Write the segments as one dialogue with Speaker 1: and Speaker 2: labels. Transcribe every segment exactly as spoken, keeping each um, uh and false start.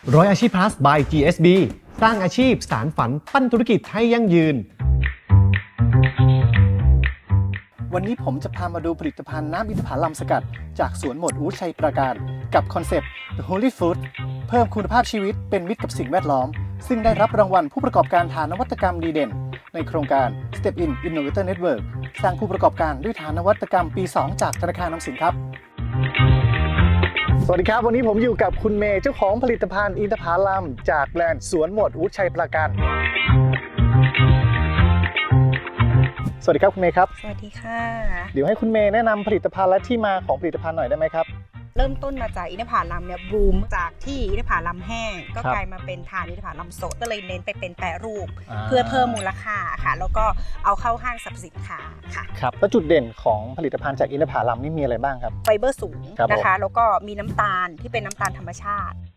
Speaker 1: ร้อยอาชีพ plus by จี เอส บี สร้างอาชีพสานฝันปั้นธุรกิจให้ยั่งยืน
Speaker 2: วันนี้ผมจะพามาดูผลิตภัณฑ์น้ำอินทผลัมสกัดจากสวนหมวดอู๊ดชัยปราการกับคอนเซปต์ The Holy Food เพิ่มคุณภาพชีวิตเป็นมิตรกับสิ่งแวดล้อมซึ่งได้รับรางวัลผู้ประกอบการฐานนวัตกรรมดีเด่นในโครงการ Step In Innovator Network สร้างผู้ประกอบการด้วยฐานนวัตกรรมปี สอง จากธนาคารออมสินครับสวัสดีครับวันนี้ผมอยู่กับคุณเมย์เจ้าของผลิตภัณฑ์อินทผลัมจากแบรนด์สวนหมวดอู๊ดชัยปราการสวัสดีครับคุณเมย์ครับ
Speaker 3: สวัสดีค่ะ
Speaker 2: เดี๋ยวให้คุณเมย์แนะนำผลิตภัณฑ์และที่มาของผลิตภัณฑ์หน่อยได้ไหมครับ
Speaker 3: เริ่มต้นมาจากอินทผลัมเนี่ยบูมจากที่อินทผลัมแห้งก็กลายมาเป็นทานอินทผลัมสดก็เลยเน้นไปเป็นแปรรูปเพื่อเพิ่มมูลค่าค่ะแล้วก็เอาเข้าห้างสรรพสินค้าค่ะ
Speaker 2: ครับแล้วจุดเด่นของผลิตภัณฑ์จากอินทผลัมนี่มีอะไรบ้างครับ
Speaker 3: ไฟเบอร์สูงนะคะแล้วก็มีน้ำตาลที่เป็นน้ำตาลธรรมชาติ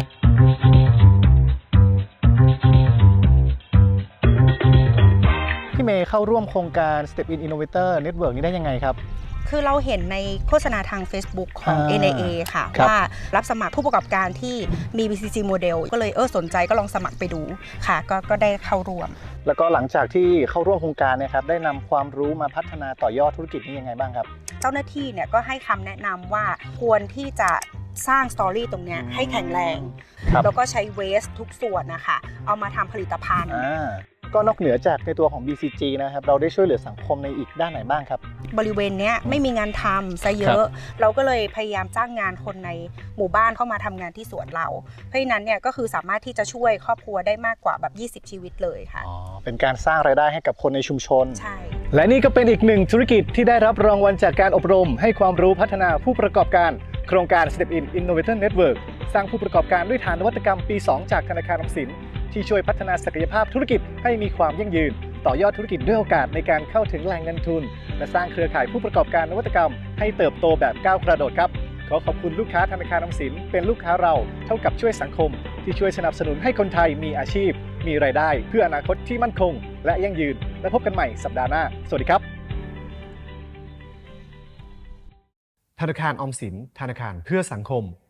Speaker 2: พี่เมย์เข้าร่วมโครงการ Step In Innovator Network นี้ได้ยังไงครับ
Speaker 3: คือเราเห็นในโฆษณาทาง Facebook ของ เอ็น ไอ เอ ค่ะว่ารับสมัครผู้ประกอบการที่มี บี ซี ซี โมเดลก็เลยเออสนใจก็ลองสมัครไปดูค่ะก็ก็ได้เข้าร่วม
Speaker 2: แล้วก็หลังจากที่เข้าร่วมโครงการเนี่ยครับได้นำความรู้มาพัฒนาต่อยอดธุรกิจนี้ยังไงบ้างครับ
Speaker 3: เจ้าหน้าที่เนี่ยก็ให้คำแนะนำว่าควรที่จะสร้างสตอรี่ตรงนี้ให้แข็งแรงแล้วก็ใช้เวสทุกส่วนนะคะเอามาทำผลิตภัณฑ์
Speaker 2: ก็นอกเหนือจากในตัวของ บี ซี จี นะครับเราได้ช่วยเหลือสังคมในอีกด้านไหนบ้างครับ
Speaker 3: บริเวณนี้ไม่มีงานทำซะเยอะเราก็เลยพยายามจ้างงานคนในหมู่บ้านเข้ามาทำงานที่สวนเราเพราะฉะนั้นเนี่ยก็คือสามารถที่จะช่วยครอบครัวได้มากกว่าแบบยี่สิบชีวิตเลยค่ะ
Speaker 2: อ๋อเป็นการสร้างรายได้ให้กับคนในชุมชน
Speaker 3: ใช่
Speaker 1: และนี่ก็เป็นอีกหนึ่งธุรกิจที่ได้รับรางวัลจากการอบรมให้ความรู้พัฒนาผู้ประกอบการโครงการ Step In Innovator Network สร้างผู้ประกอบการด้วยฐานนวัตกรรมปี สอง จากธนาคารออมสินที่ช่วยพัฒนาศักยภาพธุรกิจให้มีความยั่งยืนต่อยอดธุรกิจด้วยโอกาสในการเข้าถึงแหล่งเงินทุนและสร้างเครือข่ายผู้ประกอบการนวัตกรรมให้เติบโตแบบก้าวกระโดดครับขอขอบคุณลูกค้าธนาคารออมสินเป็นลูกค้าเราเท่ากับช่วยสังคมที่ช่วยสนับสนุนให้คนไทยมีอาชีพมีรายได้เพื่ออนาคตที่มั่นคงและยั่งยืนและพบกันใหม่สัปดาห์หน้าสวัสดีครับธนาคารออมสินธนาคารเพื่อสังคม